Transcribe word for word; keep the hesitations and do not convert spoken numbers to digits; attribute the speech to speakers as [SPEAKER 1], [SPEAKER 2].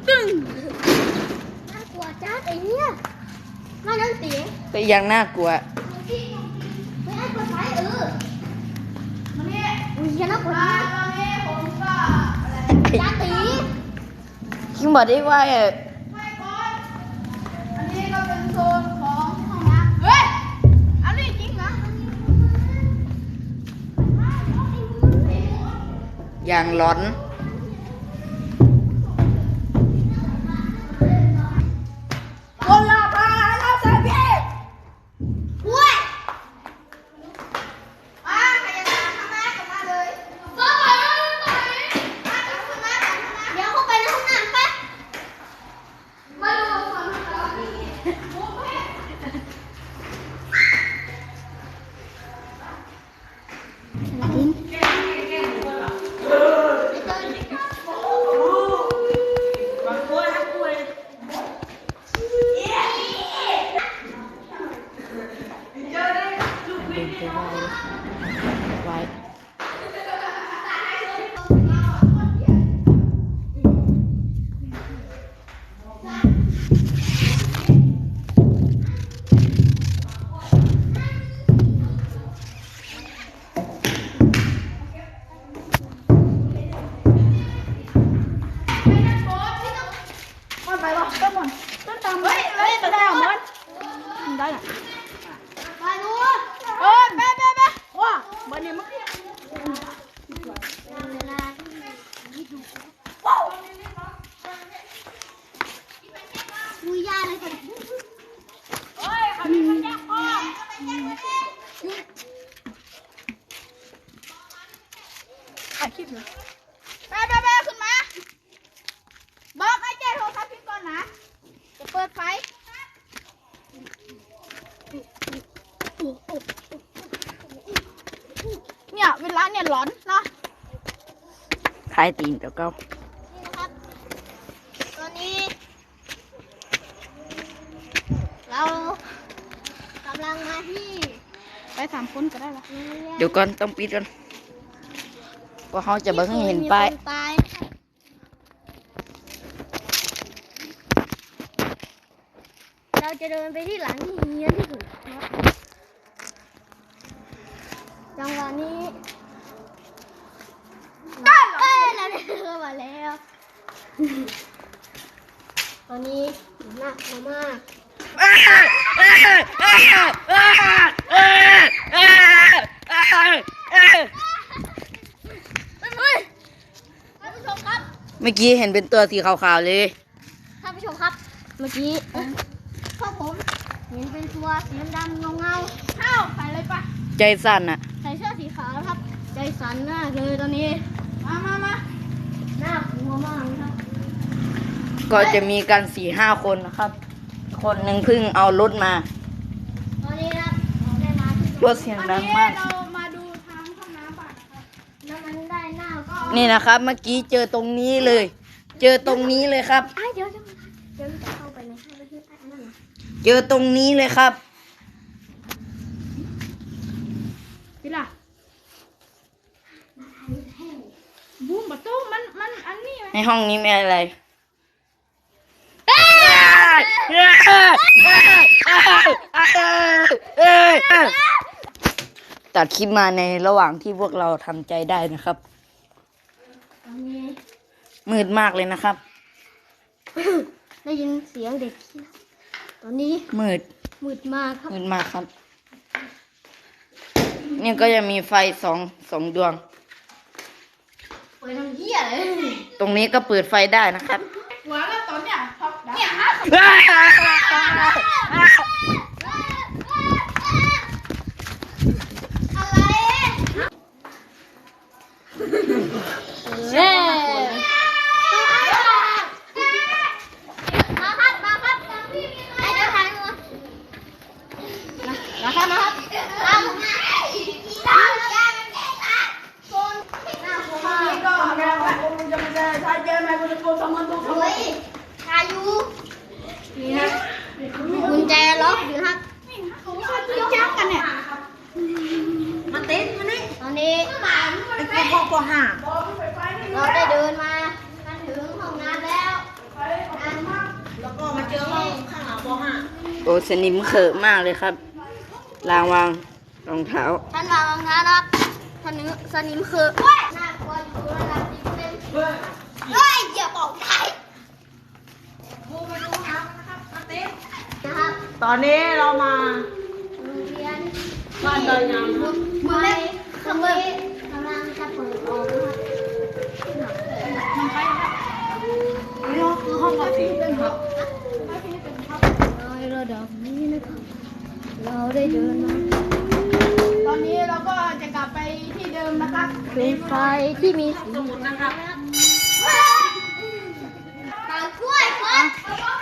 [SPEAKER 1] ตึ้ง
[SPEAKER 2] น่ากลัวจัดไอ้เนี่ยมานั่งเสียง
[SPEAKER 3] ไปยังน่ากลัว
[SPEAKER 2] ไม่ให้เปิดไฟเออมันนี่อุ้ยยันน่ากลัวตอนนี้ผมก็จ้าตี
[SPEAKER 3] คิงบอกได้ว่า
[SPEAKER 1] ไม่ก่อนอันนี้ก็เป็นโซนของห้องน้ำเฮ้ยอันนี้จริงเหรอ
[SPEAKER 3] อย่างร้อน
[SPEAKER 1] คนละพาเราใส่พี่
[SPEAKER 2] อุ้ย
[SPEAKER 1] อ่าใครจะมาทำไมกลับมาเลย
[SPEAKER 2] ก็ไปไปมาจับขึ้นมาจับขึ้นมาเดี๋ยวเข้าไปในห้องน้ำไป
[SPEAKER 1] มาดูความร้อนนี่โอ้ย
[SPEAKER 3] ไว้
[SPEAKER 1] มันไปวะต้นมันต้นตามเฮ้ยเฮ้ยต้นตามมันได้หรอ
[SPEAKER 2] ไปดู
[SPEAKER 1] เออไปไปไปว้าบันนี้มันว้าว
[SPEAKER 2] ดูยาเลยคน
[SPEAKER 1] เฮ้ยเขามีคนแยกพ่อถ่ายคลิปเลยไปไปไปขึ้นมาบอกไอ้เจ้โทรศัพท์พี่ก่อนนะจะเปิดไฟเนี่ยเวลาเนี่ยร้อนเนาะ
[SPEAKER 3] คลายตีนเดี๋ยวก็
[SPEAKER 2] นี่นะครับตอนนี้เรากำลังมาที่
[SPEAKER 1] ไปสามคนก็ได้ละ
[SPEAKER 3] เดี๋ยวก่อนต้องปิดก่อนเพราะเขาจะเบิ่งให้เห็นป้าย
[SPEAKER 2] เราจะเดินไปที่หลังที่เฮี้ยนที่สุดจังหวะนี้ได้เอ้ยเราได้เข้ามาแล้วตอนนี้น่ากลัวมากท่านผู้ชมครับ
[SPEAKER 3] เมื่อกี้เห็นเป็นตัวสีขาวๆเลย
[SPEAKER 2] ท่านผู้ชมครับเมื่อกี้พวกผมเห็นเป็นตัวสีดำๆเงาๆเข้าใส่เลยปะ
[SPEAKER 3] ใจสั่นอะ
[SPEAKER 2] ใส่เสื้อสีขาวครับใจสั่นมากเลยตอนนี้
[SPEAKER 1] มามามา
[SPEAKER 2] น่ากลัวมากครับ
[SPEAKER 3] ก็จะมีกันสี่ห้าคนนะครับคนหนึ่งเพิ่งเอารถมา
[SPEAKER 2] ตอนนี้นะเราได้มาที่
[SPEAKER 3] รถเสียงดังมาก
[SPEAKER 1] เรามาดูทางห้องน้ำป่ะ
[SPEAKER 2] แล้วมันได้หน้าก็
[SPEAKER 3] นี่นะครับเมื่อกี้เจอตรงนี้เลย เจอตรงนี้เลยครับ
[SPEAKER 2] เดี๋ยวเดี๋ยวเดี๋ยวจะเข้าไปในห้องที่ใต้นั่นนะ
[SPEAKER 3] เจอตรงนี้เลยครับ
[SPEAKER 1] พี่ล่ะบูมประตูมันมันอันนี้ไหม
[SPEAKER 3] ในห้องนี้มีอะไรตัดคลิปมาในระหว่างที่พวกเราทำใจได้นะครับมืดมากเลยนะครับ
[SPEAKER 2] ได้ยินเสียงเด็กตอนนี้
[SPEAKER 3] มืด
[SPEAKER 2] มืดมากครับ
[SPEAKER 3] มืดมากครับนี่ก็จะมีไฟสองสองดวง
[SPEAKER 2] เปิดทำเหี้ยเลย
[SPEAKER 3] ตรงนี้ก็เปิดไฟได้นะครับ
[SPEAKER 1] หัวแล้วตอนเนี้ยท็อปเนี่ยฮะ
[SPEAKER 2] เย้มาครับมาครับไอ้เจ้าชายมามาครับมาครับตามผมมาตามยามันแก่ตาโซนหน้าผมมา
[SPEAKER 1] นี่ก็ทำไงวะผมจะมาเจอชายเจอไหมกูจะโกงสองคนตัว
[SPEAKER 2] เฮ้ยชายูนี่ฮะกุญแจล็อกอยู่ครับ
[SPEAKER 1] ผมชอบตีจ้ากันเนี่ยมาเต้นมานี่
[SPEAKER 2] ตอนนี้
[SPEAKER 1] ไอ้พวกพวกห่า
[SPEAKER 2] เราได้เดินมากันถึงห้องน้ำแล้วก็มาเจอห้องข้างหลังป .ห้า
[SPEAKER 3] โอ้สนิมเขอะมากเลยครับลางวางรองเท้า
[SPEAKER 2] ท่านวางรองเท้านะครับท่านนึกสนิมคือเฮ้ยน่ากลัวอยู่ระดับนี้เป็นเฮ้ยเฮ้ยอย่าบอกใครนะครับ
[SPEAKER 4] ตอนนี้เรามา
[SPEAKER 2] โรงเรียน
[SPEAKER 4] บ้านดอยงามครับ
[SPEAKER 2] มือเล็กขมือกำลังจะเปิดออกนะครับ
[SPEAKER 4] นี่คือห้องปสี่ครับ
[SPEAKER 2] ในระดับนี้นะครับเราได้เดินมา
[SPEAKER 1] ตอนนี้เราก็จะกลับไปที่เดิมนะครับ
[SPEAKER 2] เป็นไฟที่มีสี
[SPEAKER 4] สมุดนะครับ
[SPEAKER 2] ตากล้วยครับ